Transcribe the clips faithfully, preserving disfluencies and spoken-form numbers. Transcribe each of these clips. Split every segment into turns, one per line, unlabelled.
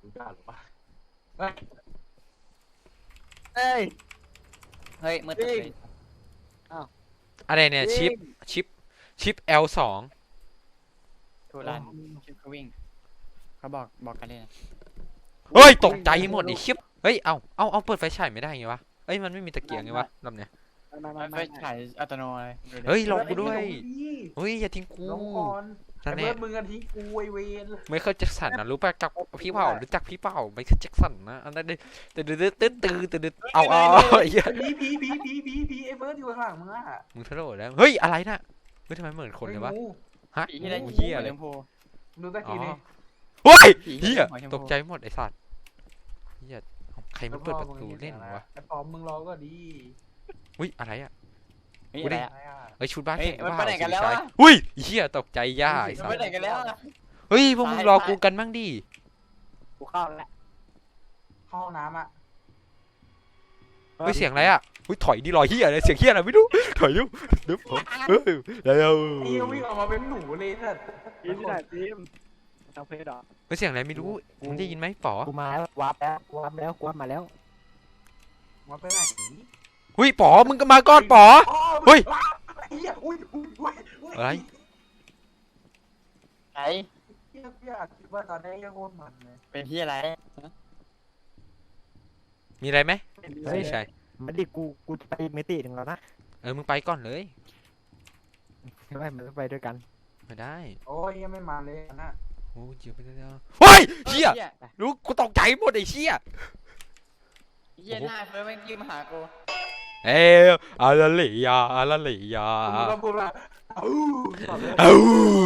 กล้าหรือปะเฮ้ย
เฮ้ย
เฮ้ยมืดตึ๊บเลย
อะไรเนี่ยชิปชิปชิป แอล สอง
ทูรันชิปก็วิ่งเขาบอกบอกกันเลยนะ
เฮ้ยตกใจหมดไอ้ชิปเฮ้ยเอาเอาเอาเปิดไฟฉายไม่ได้ไงวะเอ้ยมันไม่มีตะเกียงไงวะลำเนี้ย
มามา
ไฟ
มา
ฉายอัตโนมัติ
เฮ้ยลองกูด้วย
พี่
เฮ้ยอย่าทิ้งกู
ลงก่อน
นั่น
ไอ้
แน่
เบิร์ดมึงกันทิ้งกูไอเวน
ไม่เคยแจ็คสันนะรู้ป่ะจักพี่เปล่ารู้จักพี่เปล่าไม่เคยแจ็คสันนะอันนั้นเลยตื่นตื่นตื่นตื่นตื่นเอาเอาไอ้เหี้ย
ผีผีผีผีผีผีไอ้เบิร์ดอยู่ข้างหลังมึงอะ
มึงทะเลาะแล้วเฮ้ยอะไรน่ะเฮ้ยทำไมเหมือนคนเลยวะ
งู
ฮะ
ผีที่ได้
เหี้ย
หัว
เล
ช
ย
มพู
ดูตะ
อ๋อ
กี้นี่
เฮ้ย
ผี
เหี้ย
หัวชมพู
ตกใจหมดไอ้สัตว์เหี้ยใครมันเปิดประตูเล่นวะ
ไอ้ปอมมึงรอก็ดี
อุ้ยอะไรอ่ะ
เฮ้ย
กู
อะ
ได้
ไรอะ
อะไรอะ
เฮ้ยชุดบ้าน
เฮ้ย
แข่ง
มัน
ว่า
ไปไหนกันแล้ววะ
อุ้ยเหี้ยตกใจย่าไอ้
มัน
สัต
ไป
ว์
ไหนกันแล้วอะ
เฮ้ยพวกมึงรอกูกันบ้างดิ
กูเข้าแล้ว
เข้าห้องน้ำอะ
เฮ้ยเสียงอะไรอ่ะอุ้ยถอยดิรอยเหี้ยอะไรเสียงเหี้ยอะไรไม่รู้ถอยดิเดี๋ยวผมเฮ้ยแล้ว
ไอ้เหี้ยวิ่งออกมาเป็นหนูเลยสัตว์
ทีมที่ไหนทีมทางเพจเหรอ
เฮ้ยเสียงอะไรไม่รู้มึงได้ยินไหมป๋อ
กูมาแล้ววาร์ปแล้ววาร์ปแล้ววาร์ปมาแล้ว
มาไปไหน
เฮ้ยป๋อมึงก็มาก่อนป๋อ เฮ้ย
ไอ้เหี้ยอุ้ยอุ้ยอุ้ยย
อะไร
ไหน
เหี้ยกูอยากคิดว่าตอนนี้ยังโคตรมันเลย
เป็นที่อะไร
มีอะไรไหม
เฮ้ย
ไม่ใช่
มันดิกูกูจะไปอีกมิติหนึ่งแล้วนะ
เออมึงไปก่อนเลย
ใช่ไหมมันต้องไปด้วยกัน
ไม่ได้
โอ้ยยังไม่มาเลยนะ
โอ้ยเจียวไปแล้วเฮ้ยเหี้ย
เหี้ย
รู้กูตกใจหมดไอ้เชี่ย
เหี้ยหน้าเฟิร์สแม่งยืนมาหากู
เอ้ยอาลาลียาอาลาลียา
มึงก็พูดว่าอ้าว
เอ้า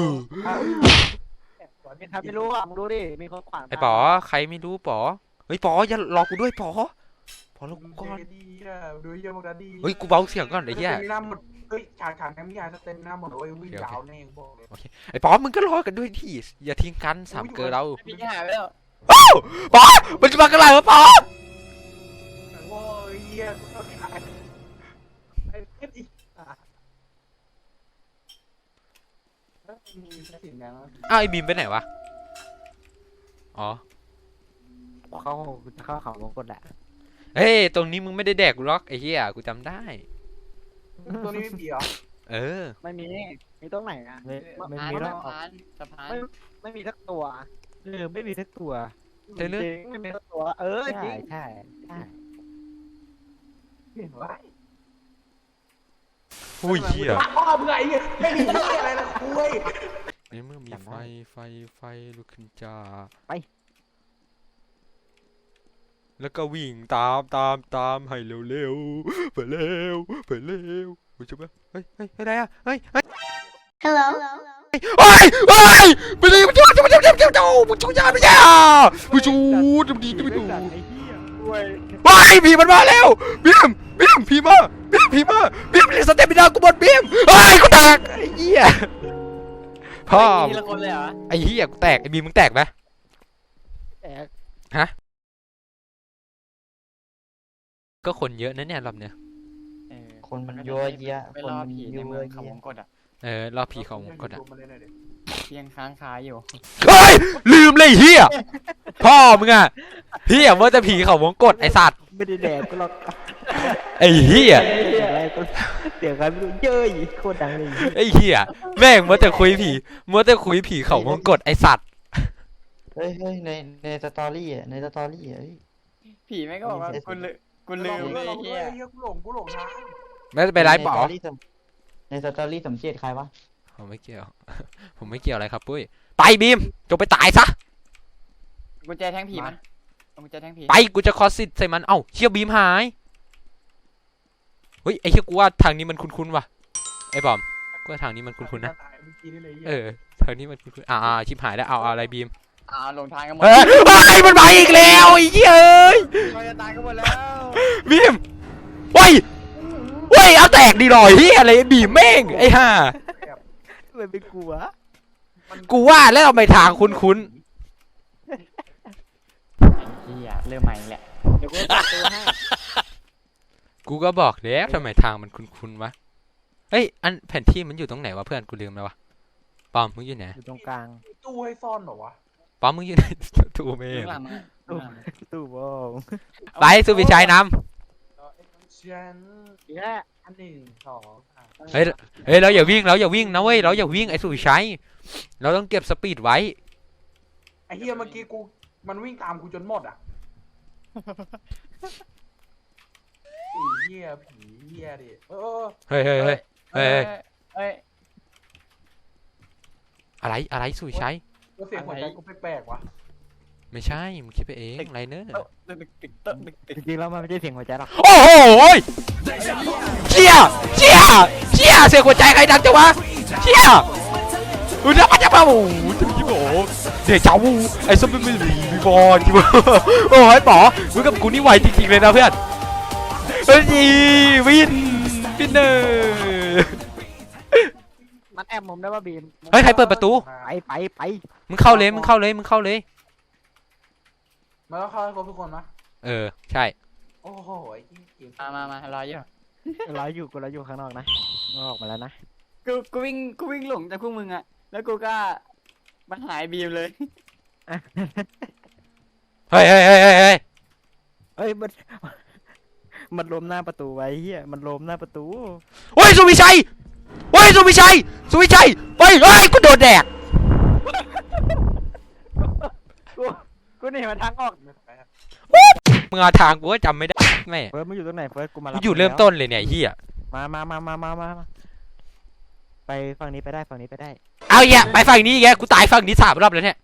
มีใครไม่รู้อ่ะมึงรู้ดิมีคนขวาง
ไอ้ป๋อใครไม่รู้ป๋อเฮ้ยป๋ออย่ารอกูด้วยป๋อป๋อรอกูก่อน
ดีอ่ะดูเยี่ยมกันดี
เฮ้ยกูเบาเสียงก่อนไอ้เหี้ย
สเตมิน่าหมดเฮ้ยฉากฉากนี้มียาสเตมิน่าหมดโอ้ยวิ่งยาวแน่บอกเลย
ไอ้ป๋อมึงก็รอกันด้วยที่อย่าทิ้งกันสามเกลือเรา
พี่จะหายไปแล้ว
ป๋อมันจะมากันไรวะป๋อ
โอ้ยเยี่ยกูต้องขายไอ้เพชรอีกอ่ะมีสิ่งนั้น
อ้าวไอ้บีมไปไหนวะอ๋อ
เข้ากูจะเข้าเขาวงกดแหละ
เฮ้ยตรงนี้มึงไม่ได้แดกกูล็อกไอ้เหี้ยกูจำได้
ตัวนี้ไม่ผีเหรอ
เออ
ไม่มีมีตรงไหนอ่ะไม่ไม่
ผ่าน
มีหร
สะ
อก
พานสะพาน
ไม่ไม่มีสักตัวเออไม่มีสักตัว
เดี๋ยวเรื่อง
จริงไม่มีสักตัว เออจริงใช่ใช่
เห็นว่า
อุ้ยเหี้ย
พ่อมึงไอ้เหี้ยไม่มีเหี้ยอะไรละคุย
ในเมื่อมีไฟไฟไฟลุกขึ้นจ้าแล้วก็วิ่งตามตามตามให้เร็วเร็วไปเร็วไปเร็วเฮ้ยจุ๊บเฮ้ยเฮ้ยอะไรอ่ะเฮ้ยเฮ้ย
Hello.
เฮ้ยเฮ้ยไปเลยมันจุ๊บจุ๊บจุ๊บจุ๊บจุ๊บจุ๊บมึงจุ๊บยาไม่ใช่อ่ะมึงจุ๊บจุ๊บดีจุ๊บดู
ไอ้เหี้ยด้วย
เฮ้ยผีมันมาแล้วบีมบีมผีมาบีมผีมาบีมเรียกสเตปไม่ได้กูบดบีมเฮ้ยกูแตกไอ้เหี้ยพ่อ
ทีละคนเลยเหรอ
ไอ้เหี้ยกูแตกไอ้บีมมึงแตกไหม
แต่
ก็คนเยอะนะเนี่ยรอบเนี้ย
เออ
คนมันเยอะแยะ
ไปรอผีในเมืองเขาวงกดอ่ะ
เออรอบผีของกดอ่ะ
เพียงค้างคาอยู่
เฮ้ยลืมเลยเฮียพ่อมึงอ่ะเฮียว่าจะผีเขาวงกดไอสัตว์
ไม่ได้แดกกูหรอก
ไอเฮีย
เสียงอะไรก็เสียงใครไม่รู้เย้ยโคตรดังเลย
ไอเฮียแม่งมัวแต่คุยผีมัวแต่คุยผีเขาวงกดไอสัตว์
เฮ้ยเฮ้ยในในสตอรี่อ่ะในสตอรี่อ่ะเฮ้ย
ผีแม่งก็บอกว่ากูลืมกูลืมเลยเฮีย
เฮียกูหลงกูหลงทาง
ไม่ไปไลฟ์เปล่า
ในสตอรี่สมในสตอรี่สมเจตใครวะ
ผมไม่เกี่ยว ผมไม่เกี่ยวอะไรครับปุ้ยไปบีมจงไปตายซะ
กุญแจแทงผีมันกุญแจแทงผี
ไปกูจะคอสซิดใส่มันเอ้าเชี่ยบีมหายเฮ้ยไอเชี่ยกูว่าทางนี้มันคุ้นๆว่ะไอ้บอมกูว่าทางนี้มันคุ้นๆนะเออทางนี้มันคุ้นๆอ่าๆชิบหายแล้วเอาเอาอะไรบีม
อ่าลงทางกันหมด
เฮ้ยเฮ้ยมันมาอีกแล้วไอ้เหี้ยเอ้ย
เราจะตายกันหมดแล้ว
บีมเฮ้ยเฮ้ยเอาแตกดีหน่อยเฮียอะไรบีมแม่งไอ้ห่า
ไม่เป็นกูวะ
กูว่าแล้วทำไมทางคุ้น
เฮียเริ่มใหม่แหละ
เดี๋ยวกูเปิดตัวให้
ๆกูก็บอกแล้วทำไมทางมันคุ้นๆวะเฮ้ยอันแผนที่มันอยู่ตรงไหนวะเพื่อนกูลืมแล้ววะปอมมึงอยู่ไหน
อยู่ตรงกลาง
ตู้ให้ซ่อนเหรอวะ
ป้อมมึงอยู่ในตู้เม
ข้า
ย์
งหลังอะข้างหลัง
ตู้บอง
ไปสุวิชัยน
รอเอ็กซ์ชัน
อีกแล้ว
อันหนึ่งสองสาม
ำเฮ้ยเฮ้ยเราอย่าวิ่งเราอย่าวิ่งนะเว้ยเราอย่าวิ่งไอ้สุวิชัยเราต้องเก็บสปีดไว้
ไอ้เฮียเมื่อกี้กูมันวิ่งตามกูจนหมดอ่ะไอ้เฮียผีเฮียดิเออ
เฮ้ยเฮ้ยเฮ้ย เฮ้ย
เฮ้ย
อะไรอะไรสุวิชัย
เออเสียงหัวใจกูแปลกๆว่ะ
ไม่ใช่มึงคิดไปเองไรเนอร์
ตึกตึกตึกตึกตึกตึก
จริงๆแล้วมันไม่ใช่เสียงหัวใจหรอก
โอ้โหเชี่ยเชี่ยเชี่ยเสียงหัวใจใครดังจังวะเชี่ยอุ้ยแล้วมันจะมาโอ้โหจะมีโอ้เดี๋ยวเจ้าไอ้ส้มไม่มีมีบอลจิ๋วโอ้ยป๋อมึงกับกูนี่ไหวจริงๆเลยนะเพื่อนเฮ้ยวินวินเนอร์
มันแอบมุมได้ว่าบีม
เฮ้ยใครเปิดประตู
ไปไปไป
มึงเข้าเลยมึงเข้าเลยมึงเข้าเลย
มันก็เข้าให้ครบทุกคนมะ
เออใช่
โอ้โหไอ้เหี้ยเกม
มามามารออยู่
เราอยู่กูเราอยู่ข้างนอกนะมึงออกมาแล้วนะ
กูกูวิ่งกูวิ่งหลงจากพวกมึงอะแล้วกูก็มันหายบีมเลย
เฮ้ยเฮ้ยเฮ้ยเฮ้ยเฮ้ย
เฮ้ยมันมันล้มหน้าประตูไว้เฮียมันล้มหน้าประตู
เฮ้ยสุวิชัยเฮ้ยสุวิชัยสุวิชัยเฮ้ยเฮ้ยกูโดนแดก
กูกูหนี่มันทางออก
ไม่แปลก
มึงเอาทางกูก็จำไม่ได้แม่
เฟิร์สมึงอยู่ตรงไหนเฟิร์สกูมา
กู
รับ
อยู่
ง
เริ่ม
แล้ว
ต้นเลยเนี่ยไอ้เฮีย
มามามามามามามาไปฝั่งนี้ไปได้ฝั่งนี้ไปได้
เอาอีกอะไปฝั่งนี้อีกแกกูตายฝั่งนี้สามรอบแล้วเนี่ย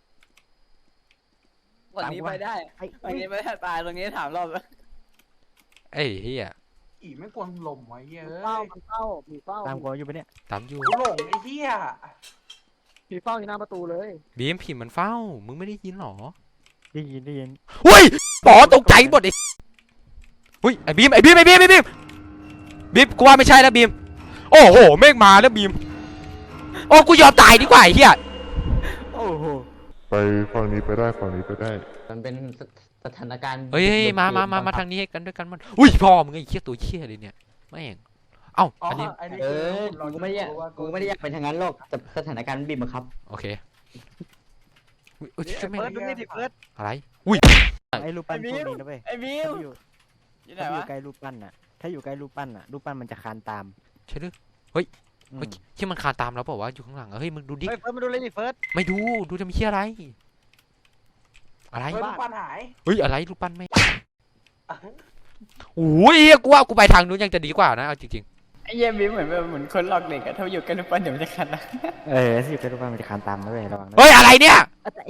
วันนี้ไปได้
ไอ้
วันนี้ไปได้ตายตรงนี้ถามรอบแล้ว
ไอ้เฮีย
อีไม่กวนลมไว้เฮียเอ้
เฝ้าย มันเฝ้าผีเฝ้า
ตามกูอยู่ปะเนี่ย
ตามอยู่
กูหลงไอ้เฮีย
ผีเฝ้าอยู่หน้าประตูเลย
บีมผีมันเฝ้ามึงไม่ได้ยินหรอ
ได้ยินได้ยิน
เฮ้ยป๋อตกใจหมดไอ้เฮ้ยไอ้บีมไอ้บีมไอ้บีมไอ้บีมบีมกูว่าไม่ใช่แล้วบีมโอ้โหเมฆมาแล้วบีมโอ้กูยอมตายดีกว่าไอ้เฮีย
โอ้โห
ไปฝั่งนี้ไปได้ฝั่งนี้ไปได้
มันเป็นสสถานการณ์
เฮ้ยเฮ้ย
บิด
มามา
เบื
มา
อน
มา
บังคับ
ทางนี้ให้กันด้วยกันมันอุ้ยพ่อมึงไอ้เหี้ยตัวเหี้ยเลยเนี่ยแม่งเอ้า
อ๋อ
อันนี้
ไอ้นี่
เอ
คือ
อกูไม่ได้อยากกูไม่ได้อยากเป็นทางนั้นหรอกแต่สถานการณ์มันบีบบังคับ
โอเคอุ้ยอุ้ยช่วยไม่
เฟิร์สดูนี่ดิเฟิร์ส
อะไรอุ้ย
ไอ้รูปปั้นพวกนี้นะเว้ย
ไอ้บีม
ถ้าอยู่
อยู่ไหน
ถ้าอยู่
วะ
ใกล้รูปปั้นน่ะ ถ้าอยู่ใกล้รูปปั้นน่ะ รูปปั้นมันจะคานตาม
ใช่หรือเฮ้ย
อืม
เฮ้ยที่มันคานตามเราเปล่าวะอยู่ข้างหลังอะเฮ้ยมึงดูดิ
เฮ้ยเฟิร์สมาดูเลยดิเฟิร์ส
ไม่ดูดูจะมีเหี้ยอะไรอะไร
เฮ้ยลูกปั้นหาย
เฮ้ยอะไรรูปปั้นไม่โอ้ยเหี้ยกูว่ากูไปทางนู้นยังจะดีกว่านะเอาจริง
ไอ้เยี่ยบีมเหมือนแบบเหมือนคนหลอกเด็กอะถ้าอยู่กันทุกวันเดี๋ยวมันจะขัดนะ
เออถ้าอยู่ใกล้รูปปั้นมันจะคานตามนะเว้ยระวังนะ
ๆเฮ้ยอะไรเนี่ย
อ่ะแต่เอ๋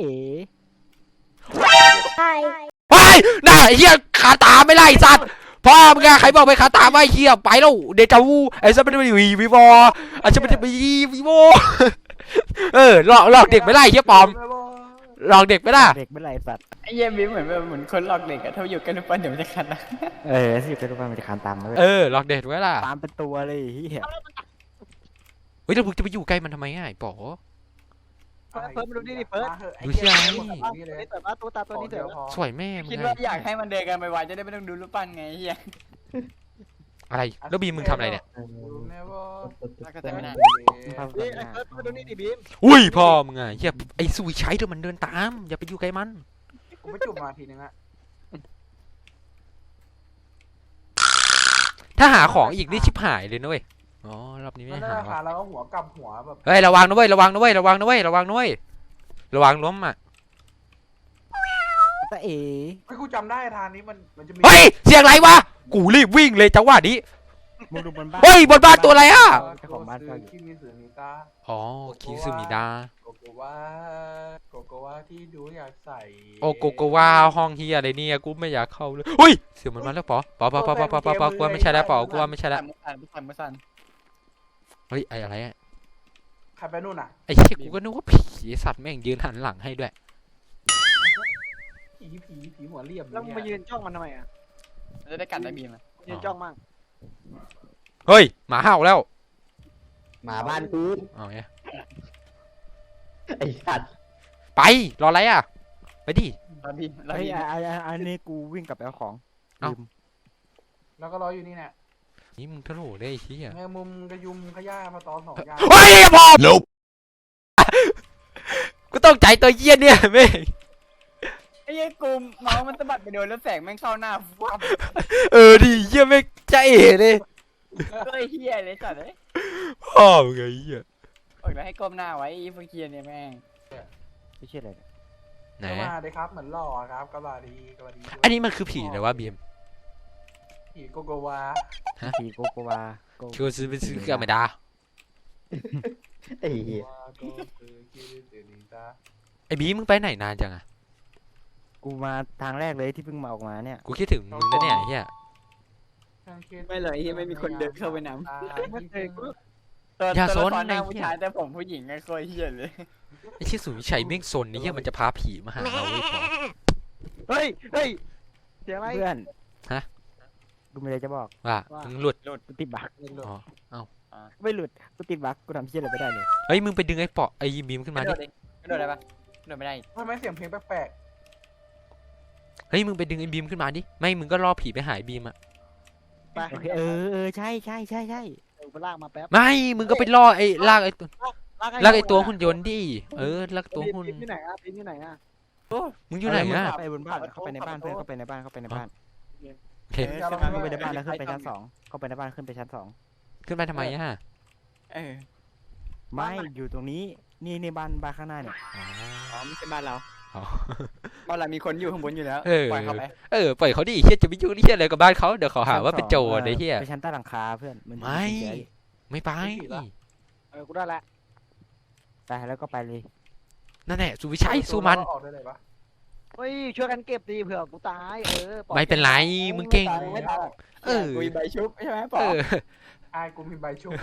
เฮ้ยน่าไอ้เหี้ยคาตามไม่ไล่สัตว์พ่อมึงอะใครบอกไปคาตามไอ้เหี้ยไปแล้วเดจาวูไอ้สัตว์ไม่ได้ไปวีวีวอไอ้สัตว์ไม่ได้ไปวีวอเออหลอกหลอกเด็กไม่ไล่เหี้ยปลอมหลอกเด็กไม่ได้
เด็กไม่ไรสัตว์
ไอ้เยี่ยบีมเหมือนแบบเหมือนคนหลอกเด็กอะถ้าอยู่กันทุกวันเดี๋ยวมันจะขัดนะ
เออถ้าอยู่ใกล้รูปปั้นมันจะคานตามนะเว้ย
เออหลอกเด็กไว้ล่ะ
ตามเป็นตัวเลยเฮีย
เฮ้ยแล้วมึงจะไปอยู่ใกล้มันทำไมอ่ะไอ้ป๋อ
เฟิร์สเฟิร์สมาดูนี่ดิเฟิร์ส
ดูสิไอ้
นี่เลย
นี่เปิดมาตัวตาตัวนี้เถอะ
สวยแม่มึง
คิด
ไง
ว่าอยากให้มันเดินกันไปไวๆจะได้ไม่ต้องดูรูปปั้นไงไอ้เฮีย
อะไรแล้วบีมมึงทำอะไรเนี่ย
แล้วก็แต่ไม่นาน
นี่ไอ้เฟิร์สมาดูนี่ดิบีม
อุ้ยพ่อมึงอ่ะเหี้ยไอ้สุวิชัยเดี๋ยวมันเดินตามอย่าไปอยู่ใกล้มัน
กูไม่จุ่มมาทีนึงอะ
ถ้าหาของอีกนี่ชิบหายเลยนะเว้ยอ๋อรอบนี้
มั
ไม่
นได้
หา
ราคา
ว่ะ
แล้วก็หัวกลับหัวแบบ
เฮ้ยระวังนะเว้ยระวังนะเว้ยระวังนะเว้ยระวังนะเว้ยระวังล้มอ่ะ
แต่เอ๋
ไอ้ยกูจำได้ทางนี้มันมันจะมี
เฮ้ยเสียงอะไรวะกูรีบวิ่งเลยจังหวะนี้
มึงดูบนบ้าน
เฮ้ยบนบ้านตัวอะไรอ่ะ
เจ้าของบ้านเฝ้าอยู่
คิมิสึนิตา
อ๋อคิซึมิดา
โกโกวาโกโกวาที่ดูอยากใส่
โอโกโกวาห้องเฮียอะไรเนี่ยกูไม่อยากเข้าเลยเฮ้ยเสียงมันมาแล้วป๋อป๋อป๋อป๋อป๋อป๋อป๋อกูว่าไม่ใช่แล้วป๋อกูว่าไม่ใช่แล้ว
สั่นสั่นสั่น
เฮ้ยไอ้อะไรอ่ะ
ใครไปนู่นอ่ะ
ไอ้เชี่ยกูก็นึกว่าผีไอ้สัตว์แม่งยืนหันหลังให้ด้วย
ผีผีผีหัวเรียบ
แล้วมึงมายืนจ้องมันทำไมอ่ะ
จะได้กัดได้บีมอะ
ยืนจ้องมั่ง
เฮ้ยหมาเห่าแล้ว
หมาบ้านกู
เอาไง
ไอ้สัตว์
ไปรออะไรอ่ะไปดิ
รอบีมรอ
เฮ้ย
บีม
อันอันอันนี้กูวิ่งกลับไปเอาของ
เอ้า
ลืม
แล้วก็รออยู่นี่เนี่ย
นี่มึงทะโหลได้ไอ้เชี่ย
แมงมุมกระยุมขย่ามาตอนสองอย่าง
เฮ้ยพอ
Nope
กูตกใจตัวเหี้ยเนี่ยแม่ง
ไอ้เหี้ยกูเมาส์มันสะบัดไปโดนแล้วแสงแม่งเข้าหน้าฟับ
เออดิเหี้ยแม่งใจเอ๋เลย
เฮ้ยเหี้ยเลยสัตว์เอ้ย
พ่อมึงไงเหี้ย
บอกแล้วให้ก้มหน้าไว้ไอ้พวกเคียเนี่ยแม่ง
ไม่ใช่อะไรเนี่ย
ไหน
ก็มาเลยครับเหมือนหล่อครับก็มาดีก็มาดี
อันนี้มันคือผีเหรอวะบีม
ผีโกโกวา
ผีโกโกวาโก
คิวซื้อไปซื้อกับไม่ได้
ไอ้เหี้ย
วาโกคือคิริเตนิตา
ไอ้บีมมึงไปไหนนานจังอะ
กูมาทางแรกเลยที่เพิ่งมาออกมาเนี่ย
กูคิดถึงมึงนะเนี่ยไอ้เหี้ย
ไม่เลยเหี้ยไม่มีคนเดินเข้าไปนำตัว
อย่า
ตัว
ซ
ละ
น
ครหน้า
ไอ้
ผู้
เหี้ย
ชายแต่ผมผู้หญิงไงโคตรเหี้ยเลย
ไอ้ชื่อสุวิชัยแม่งซนนี่เหี้ยมันจะพาผีมาหาเราเว้ยพอ
เฮ้ยเฮ้ยเสียงอะไร
เพื่อน
ฮะ
กูมีอะไรจะบอก
ว่ามึงหลุด
กูติดบั๊ก
อ๋อ
ไม่หลุดกูติดบั๊กกูทำเชี่ยอะไรไม่ได้เลย
เฮ้ยมึงไปดึงไอ้เปาะไอ้บีมขึ้น
ก
มา
ระโด
ดิ
ดดิกระโดดได้ปะกระโดดไม่ได้
ทำไมเสียงเพลงแปลก
เฮ้ยมึงไปดึงไอ้บีมขึ้นมาดิไม่มึงก็ล่อผีไปหายบีมอะ
ไป
โอเคเออเออใช่ใช่ใช่ใช่
เดี๋ยวกูลากมาแป๊บ
ไม่มึงก็ไปล่อไอ้ลากไอ้ตัว
ลาก
ลากไอ้ตัวหุ่นยนต์ดิเออลากตัว
ปีน
หุ่น
ปีนที่ไหนอ่ะปีนที่ไหนอ่ะ
มึงอยู่ไหน
เมึง
อะ
เข้าไปบนบ้านเข้าไปในบ้านเพื่อนเข้าไปในบ้านเข้าไปในบ้าน
โอเค
เข้าไปในบ้านแล้วขึ้นไปชั้นสองเข้าไปในบ้านขึ้นไปชั้นสอง
ขึ้นไปทำไมอะ
เออ
ไม่อยู่ตรงนี้นี่นี่บ้านบ้านข้างหน้าเนี่ย
อ๋อไม่ใช่บ้านเรา
อ๋อ
บ้านเรามีคนอยู่ข้างบนอยู่แล้ว
เออ
ปล่อยเขาไป
เออปล่อยเขาดิเฮียจะไปยุ่งเฮียอะไรกับบ้านเขาเดี๋ยวเขาหาว่าเป็นโจรไอ้เฮีย
ไปชั้นใต้หลังคาเพื่อนน
ไม่ ไม่ไป
เออกูได้ละ
ไปแล้วก็ไปเลย
นั่นแหละสุวิ
ๆ
ชัยสู้มัน
ออกได้เลยปะ
เฮ้ยช่วยกันเก็บดีเผื่อกูตายเออปล่อย
ไม่เป็นไรมึงเก่ง
ไม่ตาย
เออ
กุยใบชุบใช่ไหมปอ
เออ
อายกูมีใบชุบ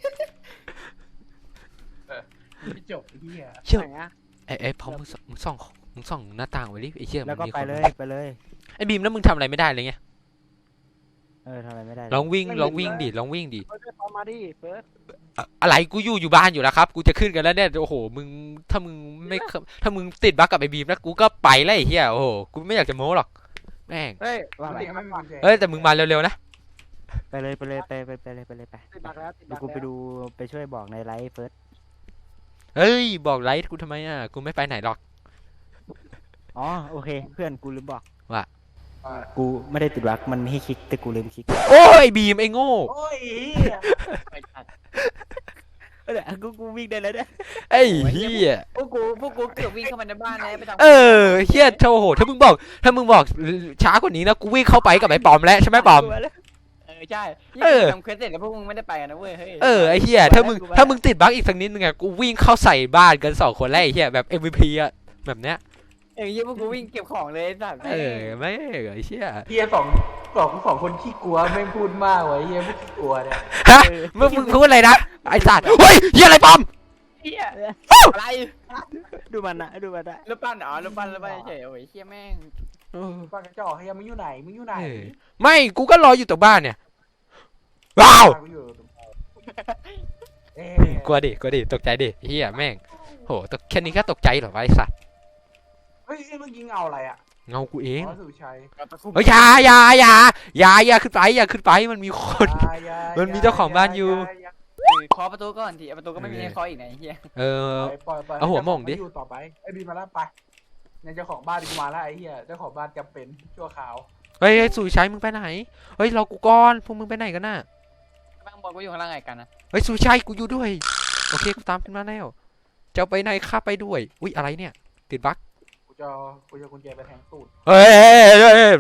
เออไม่จบไอ้เหี้ย
เชื่อ
ไหนอ่ะ
ไอ้ไอ้พอมึงส่องมึงส่องมึงส่องหน้าต่างไว้ดิไอ้เชี่ย
แล้วก็
มันมี
ไป
คน
เลยไปเลย
ไอ้บีมแล้วมึงทำอะไรไม่ได้เลยไง
เออทำอะไรไม่ได้
ลองวิ่งลองวิ่งดิลองวิ่งดิ
เฟิร์สเอามาดิเฟิร์ส
อะอะไรกูอยู่อยู่บ้านอยู่แล้วครับ กูจะขึ้นกันแล้วเนี่ยโอ้โหมึงถ้ามึงไม่ถ้ามึงติดบั๊กกับไอ้บีมแล้วกูก็ไปแล้วไอ้เหี้ยโอ้โหกูไม่อยากจะโม้หรอกแม่ง
เฮ้ย
ว่าไป
เด็กไม่มีกุญแจ
เอ้ยแต่มึงมาเร็วๆนะ
ไปเลยไปเลยไปไปไปเลยไปเลยไป
ติดบักแล้วติด
เดี๋
บั
ยว
ก
กูไป
แล้ว
ดูไปช่วยบอกในไลฟ์เฟิร์ส
เฮ้ยบอกไลท์กูทำไมอ่ะกูไม่ไปไหนหรอก
อ๋อโอเคเพื่อนกูลืมบอก
ว่า
อ่า
กูไม่ได้ติดบั๊กมันไม่ให้คลิกแต่กูลืมคลิก
โอ้ยบีมไอ้โง่
โอ้ยเหี้ย
ไปตัด
เออกูกูวิ่งได้แล้วเนี่ย
ไอ้เหี้ย
พวกกูพวกกูเกือบวิ่งเข้ามาในบ้านแล้วไปทำ
เออเหี้ยโอ้โหถ้ามึงบอกถ้ามึงบอกช้ากว่านี้นะกูวิ่งเข้าไปกับไอ้ปอมแล้วใช่ไหมปอม
เออใช่
เออ
ทำเควสเสร็จแล้วพวกมึงไม่ได้ไปกันนะเว้ยเฮ้ย
เออไอ้เหี้ยถ้ามึงถ้ามึงติดบั๊กอีกสักนิดนึงอะกูวิ่งเข้าใส่บ้านกันสองคนแล้วไอ้เหี้ยแบบ เอ็ม วี พี อะแบบเนี้ย
เออยี่พวกกูวิ่งเก็บของเลยสัตว์
เออไม่ไอ้เหี้ย
เหี้ยสองสองสองคนขี้กลัวแม่งพูดมากไว้เหี้ยพวกขี้กลัวเนี่ย
ฮะมึงมึงพูดอะไรนะไอ้สัตว์เฮ้ยเหี้ยอะไรปอม
เฮียอะไร
ดูมันนะดูมันนะ
รูปปั้นอ๋อรูปปั้นรูปปั้นเฉยโอ้ยเฮียแม่ง
เออ
บ้านกระจอกเฮียมึงอยู่ไหนมึงอยู่ไหน
เออไม่กูก็รออยู่ตรงบ้านเนี่ยว้าว
กูอยู่ตรงเอ๊ะ
กลัวดิกลัวดิตกใจดิเฮียแม่งโหตกแค่นี้ก็ตกใจเหรอวะไอ้สัตว์
เฮ้ยเมื่อกี้เงาอะไรอ่ะ
เงากูเอง
อ๋อสุชัย
เฮ้ยอย่าอย่าอย่าอย่าอย่าขึ้นไปอย่าขึ้นไปมันมีคน
อย่าอย่า
มันมีเจ้าของบ้านอยู่
อย่า
เออเคาะประตูก่อนทีประตูก็ไม่มีให้เคาะอีกไหนเฮีย
เออ
ปล่อยปล่อย
เอาหัวหม่งดิ
ให้เจ้าขออยู่ต่อไปไอ้บีมาแล้วไปเนี่ยเจ้าของบ้านกูมาแล้วไอ้เหี้ยเจ้าของบ้านจำเป็นชั่วคราว
เฮ้ยเฮ้ยสุวิชัยมึงไปไหนเฮ้ยรอกูก่อนพวกมึงไปไหนกันน่ะ
บ้างบอกกูอยู่ข้างล่างไงกันนะ
เฮ้ยสุวิชัยกูอยู่ด้วยโอเคกูตามขึ้นมาแล้วจะเอาไปไหนข้าไปด้วยอุ้ยอะไรเนี่ยติดบั๊ก
กูจะกูจะกุญแจไปแทงตูด
เฮ้ยเฮ้ยเฮ้ยเฮ้ย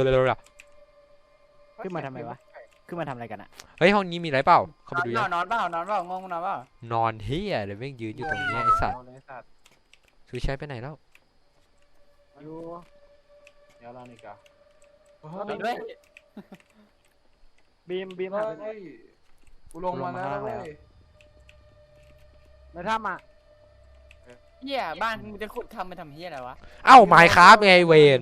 ขึ้นมาทำไมวะขึ้นมาทำอะไรกันอะ
เฮ้ยห้องนี้มีอะไรเปล่าเข้าไปดู
น
ยั
อง นนอนเปล่านอนเปล่างงนอนเปล่าน
อนเฮียเดี๋ยวแม่งยืนอยู่ตรงเนี้ยไอ้สัตว์
เอาเลยไอ้สัตว์
สุวิชัยไปไหนแล้ว
อยู่
เดี๋ยวเรานี่กะ
ไปด้วย
บีมบีม
เฮ้
หาย ไปไหน
กูลงมาแล้วเว้ย
ในถ้ำอ่ะ
เฮียบ้านมึงจะขุดทำไปทำเฮียอะไรวะ
เอ้าไมค์ครับไงเวน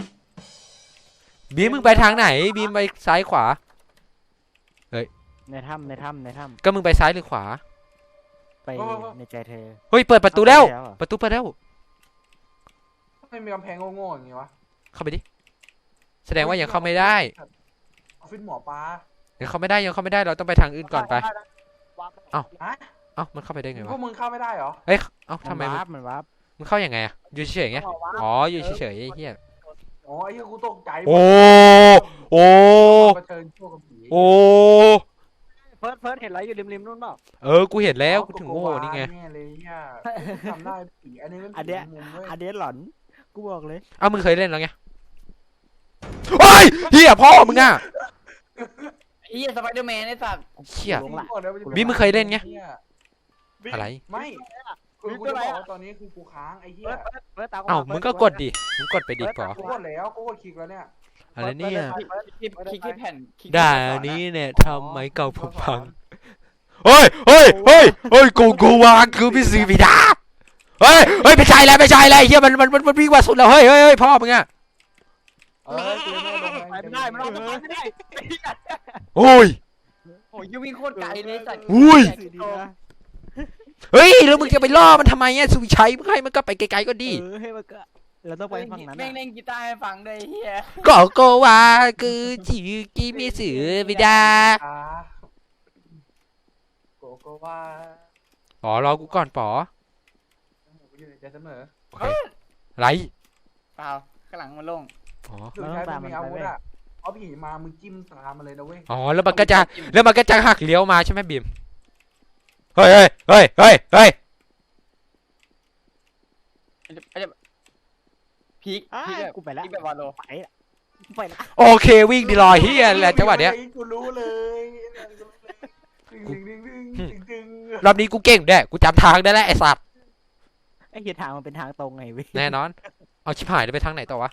บีมมึงไปทางไหนบีมไปซ้ายขวา
ในถ้ำในถ้ำในถ้
ก็มึงไปซ้ายหรือขวา
ำไปในใจเธอ
เฮ้ยเปิดประตูแล้ว
เอาไปแล้วเหรอ
ประตูเปิดแล้ว
ไม่มีกำแพงโง่ๆอย่างงี้วะ
เข้าไปดิแสดงว่ายังเข้าไม่ได้
ออฟฟิศหมอปลา
ยังเข้าไม่ได้ยังเข้าไม่ได้เราต้องไปทางอื่นก่อนไป
ด้ด้วาง
ฮะ
เอ้ามันเข้าไปได้ไง
พว
วะ
กมึงเข้าไม่ได้เหรอ
เอ้ยเอ้า
มัน
ทำไม
วาร์ปมันวาร์ป
มึงเข้ายังไงอะอยู่เฉยๆไงอ๋ออยู่เฉยๆไอ้เหี้ย
อ๋อไอ้เหี้ยกูตกใจ
โอ้โอ้
มาเชิญชั่วกับผี
โอ้
เฟิร์สเฟิร์สเห็นอะไรอยู่ริมๆนู่นเปล่า
เออกูเห็นแล้วกูถึงโง่นี่ไง
แน่เลยเหี้ยทำได้ผีอันนี้มัน
อันเนี้ย
ผีมุมเว้ย
อันเนี้ยหลอนกูบอกเลย
เอ้ามึงเคยเล่นแล้วไงโอ้ยเหี้ยพ่อมึงอะ
ไอ้เหี้ยสไปเดอร์แมนไอ้สัตว์
เหี้ย
ลงละ
บิ๊มมึงเคยเล่นไง
หี้
อะไร
ไม่คือกูจะบอกว่าตอนนี้คือกูค้างไอ้เหี้ย
เฟิร์สเฟิร์สตาม
เอ้ามึงก็กดดิมึงกดไปดิปอ
กูกดแล้วกูกดคลิกแล้วเนี่ย
อะไรเนี่ย
คลิกคลิกที่แผ่นคลิกที่
ด่า
แผ่น
นี้เนี่ยทำไมเก่าผมพังเฮ้ยเฮ้ยเฮ้ยเฮ้ยกูกูวางคือพี่สีบิดาเฮ้ยเฮ้ยไม่ใช่แล้วไม่ใช่แล้วเฮียมันมันมันมันวิ่งกว่าสุดแล้วเฮ้ยเฮ้ยเฮ้ยพ่อมึงอะ
เออกูยังไม่ได้ลง
ไปไม่ได้มันเอาไปไม่ได้
โอ้ย
โอ้ยยิ่งวิ่งโคตรไกลเลยไอ้สัตว์
อุ้ย
สีดีนะ
เฮ้ยแล้วมึงจะไปล่อมันทำไมอะสุวิชัยมึงให้มันก็ไปไกลๆก็ดี
เออให้มันก็เราต้องไปฝั่งนั้น
แม่ง
อะ
เล่นกีตาร์ให้ฟังด้วยไอ้เหี้ย
ก็โกวาคือจิกิมิสึบิดา
อ่าโกโกว่า
ป๋อรอกูก่อนป๋อ
กูอยู่ในใจเสมอ
โอเคไร
เปล่าข้างหลังมันโล่ง
อ๋อ
สุดท้ายมึงมีอาวุธอ่ะเอาผีมามึงจิ้มตามมาเลยนะเว้ย
อ๋อแล้วมันก็จะแล้วมันก็จะหักเลี้ยวมาใช่ไหมบีมเฮ้ยเฮ้ยเฮ้ยเฮ้ยเฮ้ย
ไอ้เหี้ยพีค
อ้า
พีคแบบ
กูไปละ
พีคแบบวาโล
ไปละไปละ
โอเควิ่งดีลอยเฮียแหละจังหวะเนี้ย
กูรู้เลยดึงดึงดึงดึงดึงดึง
รอบนี้กูเก่งด้วยกูจำทางได้แล้วไอ้สัตว์
ไอ้เหี้ยทางมันเป็นทางตรงไงเว้ย
แน่นอนเอาชิบหายแล้วไปทางไหนต่อวะ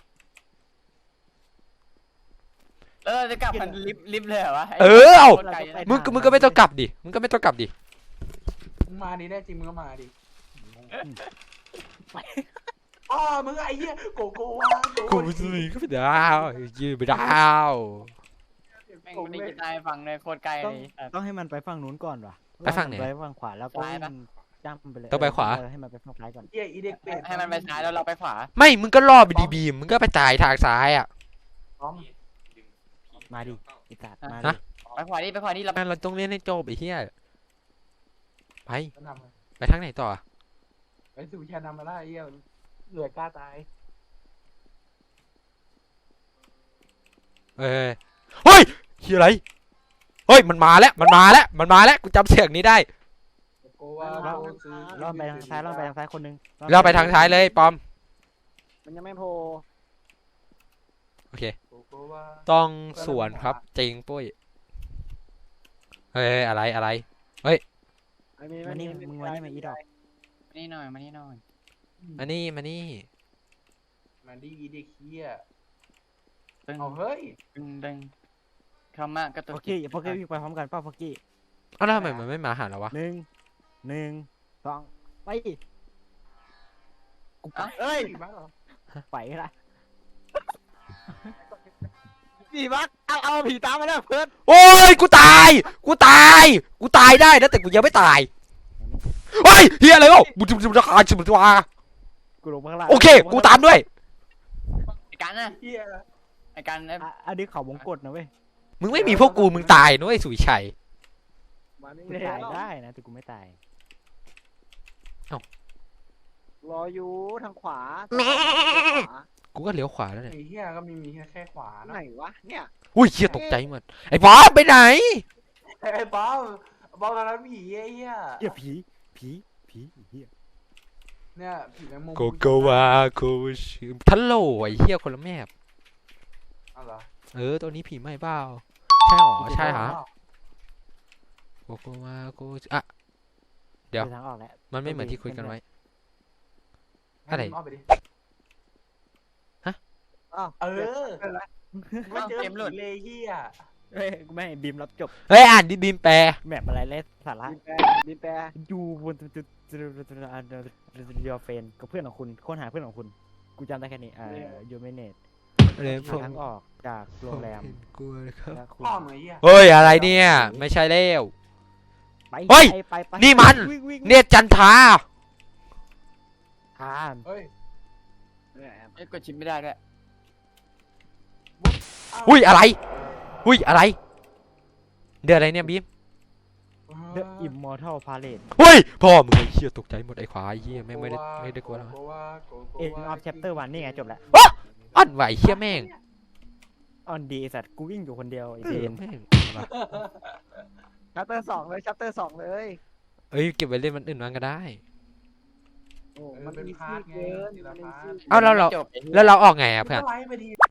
แล้วเราจะกลับมันลิฟต์ลิฟต์เลยเหรอวะ
เออเอา
โคตรไกลนะ
มึงก็มึงก็ไม่ต้องกลับดิมึงก็ไม่ต้องกลับดิ
มึงมาดิแน่จริงมึงก็มาดิอ๋อมึงไอ้เหี้ยโกโกว่า
กูไม่ซื้อก็ไม่ได้ยืนไม่ได้
แม่งเล่นกีตาร์ให้ฟังเลยโคตรไกล
ต้อง
เลย
ต้องให้มันไปฝั่งนู้นก่อนว่ะ
ไปฝั่งไหน
ไปฝั่งขวาแล้วก็
ซ้ายปะ
จ้ำไปเลย
ต้องไปขวา
เออให้มันไปฝั่งซ้ายก่อน
เหี้ยอีเด็กเป็ด
ให้มันไปซ้ายแล้วเราไปขวา
ไม่มึงก็ล่อไปดีบีมมึงก็ไปจ่ายทางซ้ายอ่ะ
พร้อม
มาดิไอ้สัตว์มา
ฮะ
ดิ
ไปขวานี่ไปขวานี่เรา
งั้นเราต้องเล่นให้จบไอ้เหี้ยไป
ก็นำ
ไปทางไหนต่อ
ไปสู่ชานำมาได้ไอ้เหี้ยเหลือกล้าตาย
เอ้ยเฮ้ยเฮียอะไรเฮ้ยมันมาแล้วมันมาแล้วมันมาแล้วกูจำเสียงนี้ได้
โกโกว่าโกซื้อ
รอบไปทางซ้ายรอบไปทางซ้ายคนหนึง
เราไปทางซ้ายเลยปอม
มันยังไม่โผล่
โอเค
โกโกว่า
ต้องสวนครับจริงปุ้ยเฮ้ยอะไรอะไร
ไอ้มี
มานี่มึงมานี่มาอีดอก
มานี่หน่อยมานี่หน่อย
มานี่มานี่
มาดิอีเด็กเหี้ย
ตึง
เอาเฮ้ย
ดึงดึงคำมากก็ตัว
โอเคโอเควิ่งไปพร้อมกันเป้าฟักกี้
เอ้าวแล้วทำไมมันไม่มาหาเราวะ
หนึ่งหนึ่งสองไปกูไป
เอ้ย
บ้าเหรอ
ไปละ
ผีบักเอาเอาผีตามมาแล้วเฟิร์ส
โอ้ยกูตายกูตายกูตายได้นะแต่กูยังไม่ตายเฮ้ยเฮียอะไรวะบุจุบุจุบุจุบุจุบุจุวา
กูลงมาข้างล่าง
โอเคกูตามด้วย
ไอ้กันนะ
เหี้ย
ไอ้กันไอ้
อ่ะอันนี้เขาวงกดนะเว้ย
มึงไม่มีพวกกูมึงตายนะเว้ยสุวิชัย
มานี่
กู
เลย
ตายได้นะแต่กูไม่ตาย
รออยู่ทางขวา
กูก็เลี้ยวขวาแล้วเนี่ย
ไอ้เหี้ยก็มีมีแค่แค่ขวานะ
ไหนวะเนี่ย
อุ้ยเฮียตกใจหมดไอ้บอสไปไหน
ไอ้บ้าบ้าตอนนั้นผีไอ้เหี้ย
เหี้ยผีผีผีเหี้ย
เนี่ยผีแมงมุม
โกโกวาโกชิทัลโหลไอ้เฮียคนละแมพ
เอาเหรอ
เออตัวนี้ผีไม่เปล่าใช่หรอใช่ฮะโกโกวาโกชิอ่ะ เดี๋ยว
ไปทางออกแล้ว
มันไม่เหมือนที่คุยกันไว้ อะไร
ให้มึงเาไปดิ
อ้าว
เออ
ไม่เจอ
เก
เก
ม
ม
ห
ห
ลุ
ลุ
ด
ด
เลยเหี้ย
เฮ้ยกูไม่ให้บีมรับจบ
เฮ้ยอ่านดิบีมแปล
แมปอะไรเล่สาระ
บินแปรบินแปร
อยู่บนจุดจุดจุดจุดจุดยอเฟนกับเพื่อนของคุณค้นหาเพื่อนของคุณ กูจำได้แค่นี้อ่ายูเมเนต
เลย
หาทางออกจากโรงแรม
กลัวนะครับ
และคุณ
พ่อมึงไอ้เหี้ย
เฮ้ยอะไรเนี่ย ไม่ใช่แล้ว
ไป
เฮ้ย
ไปไปไป
นี่มัน
วิ่งวิ่ง
เนตรจันทรา
อ่าน
เฮ้ย
ไอ้กดชิปไม่ได้ด้วย
อุ้ยอะไร อุ้ยอะไร เดือดอะไรเนี่ยบีม
The Immortal Parade
เฮ้ยพ่อมึงไอ้เหี้ยตกใจหมดไอ้ควายเหี้ยแม่งไม่ได้ไม่ได้กลัวแล้ว
End of Chapter วันนี่ไงจบแล้ว
อันไหวเหี้ยแม่ง
On D ไอ้สัตว์กูวิ่งอยู่คนเดียวไอ้
เอ
เจ
อน แม่ง
ชัปเตอร์สองเลยชัปเตอร์สองเลย
เอ้ยเก็บไว้เล่นมันอื่นมันก็ได้
โอ้
มั
มัน น
เป็น
มี
พาร์ทไง
เกิน
ทีละ
มันมี
พาร์ท
เอ้าแล้วเรา
จบไอ้เหี้ย
แล้วเราออกไงอะเพื่อน
ไลฟ์ไปดี